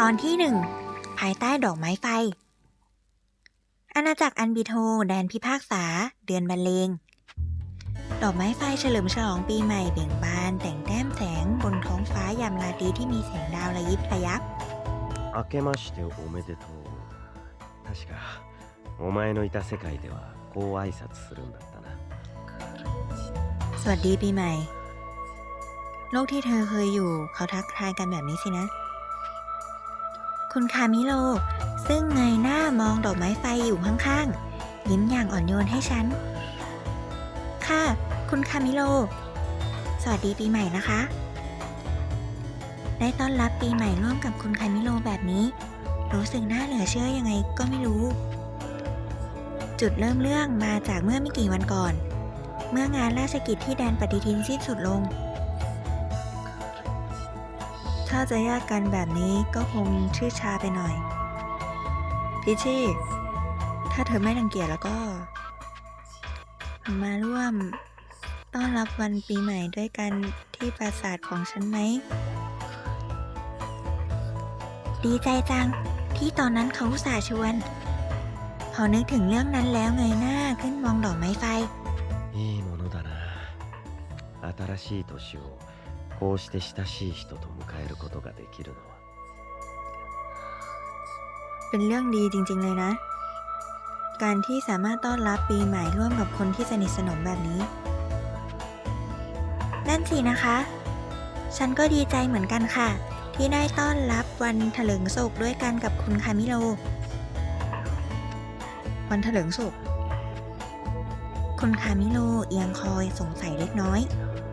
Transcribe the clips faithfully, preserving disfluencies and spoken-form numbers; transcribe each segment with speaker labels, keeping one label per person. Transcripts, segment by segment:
Speaker 1: อนที่หนึ่งภายใต้ดอกไม้ไฟอาณาจักรอันบิโทแดนพิพากษาเดือนบรรเลงดอกไม้ไฟเฉลิมฉลองปีใหม่เบ่งบานแต่งแต้มแสงบนท้องฟ้ายามราตรีที่มีแสงดาวระยิบระยับ
Speaker 2: 明けましておめでとう。確かお前のいた世界ではこう挨拶するんだったな。
Speaker 1: สวัสดีปีใหม่โลกที่เธอเคยอยู่เขาทักทายกันแบบนี้สินะคุณคามิโลซึ่งเงยหน้ามองดอกไม้ไฟอยู่ข้างๆยิ้มอย่างอ่อนโยนให้ฉันค่ะคุณคามิโลสวัสดีปีใหม่นะคะได้ต้อนรับปีใหม่ร่วมกับคุณคามิโลแบบนี้รู้สึกน่าเหลือเชื่อยังไงก็ไม่รู้จุดเริ่มเรื่องมาจากเมื่อไม่กี่วันก่อนเมื่องานราชกิจที่แดนปฏิทินสิ้นสุดลงถ้าจะแยกกันแบบนี้ก็คงชื่อชาไปหน่อยพิชชี่ถ้าเธอไม่รังเกียจแล้วก็มาร่วมต้อนรับวันปีใหม่ด้วยกันที่ปราสาทของฉันไหมดีใจจังที่ตอนนั้นเขาอุตส่าห์ชวนพอนึกถึงเรื่องนั้นแล้วเงยหน้าขึ้นมองดอกไม้ไฟ
Speaker 2: いいものだな。新しい年をこうして親しい人と迎えることができるのは
Speaker 1: เป็นเรื่องดีจริงๆเลยนะการที่สามารถต้อนรับปีใหม่ร่วมกับคนที่สนิทสนมแบบนี้นั่นสินะคะฉันก็ดีใจเหมือนกันค่ะที่ได้ต้อนรับวันเถลิงศกด้วยกันกับคุณคามิโลวันเถลิงศกคุณคามิโลเอียงคอยสงสัยเล็กน้อย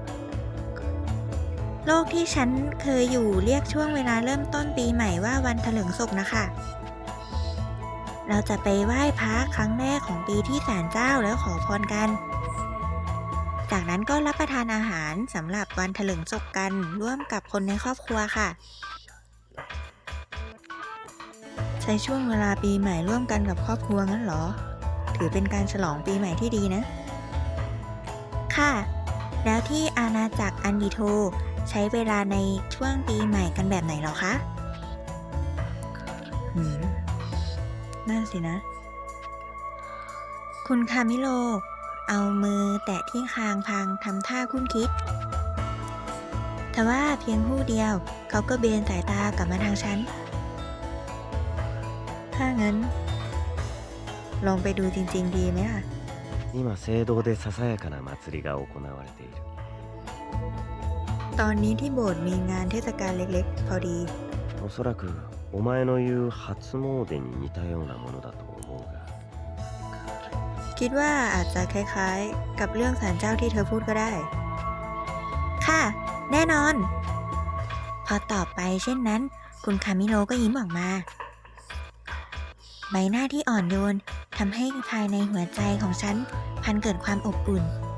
Speaker 1: โลกที่ฉันเคยอยู่เรียกช่วงเวลาเริ่มต้นปีใหม่ว่าวันเถลิงศกนะคะเราจะไปไหว้พระครั้งแรกของปีที่ศาลเจ้าแล้วขอพรกันจากนั้นก็รับประทานอาหารสำหรับวันเถลิงศกกันร่วมกับคนในครอบครัวค่ะใช้ช่วงเวลาปีใหม่ร่วมกันกับครอบครัวงั้นเหรอถือเป็นการฉลองปีใหม่ที่ดีนะค่ะแล้วที่อาณาจักรอันดิโทใช้เวลาในช่วงปีใหม่กันแบบไหนหรอคะหืมนั่นสินะคุณคามิโลเอามือแตะที่คางพางทำท่าคุ้นคิดแต่ว่าเพียงผู้เดียวเขาก็เบนสายตากลับมาทางฉันถ้างั้นลองไปดูจริงๆดีไหมล่ะ
Speaker 2: 今聖堂でささやかな祭りが行われている。
Speaker 1: ตอนนี้ที่โบสถ์มีงานเทศกาลเล็กๆพอดี
Speaker 2: おそらくお前の言う初詣に似たようなものだと思うが
Speaker 1: คิดว่าอาจจะคล้ายๆกับเรื่องศาลเจ้าที่เธอพูดก็ได้ค่ะแน่นอนพอตอบไปเช่นนั้นคุณคามิโลก็ยิ้มออกมาใบหน้าที่อ่อนโยนทำให้ภายในหัวใจของฉันพันเกิดความอบอุ่น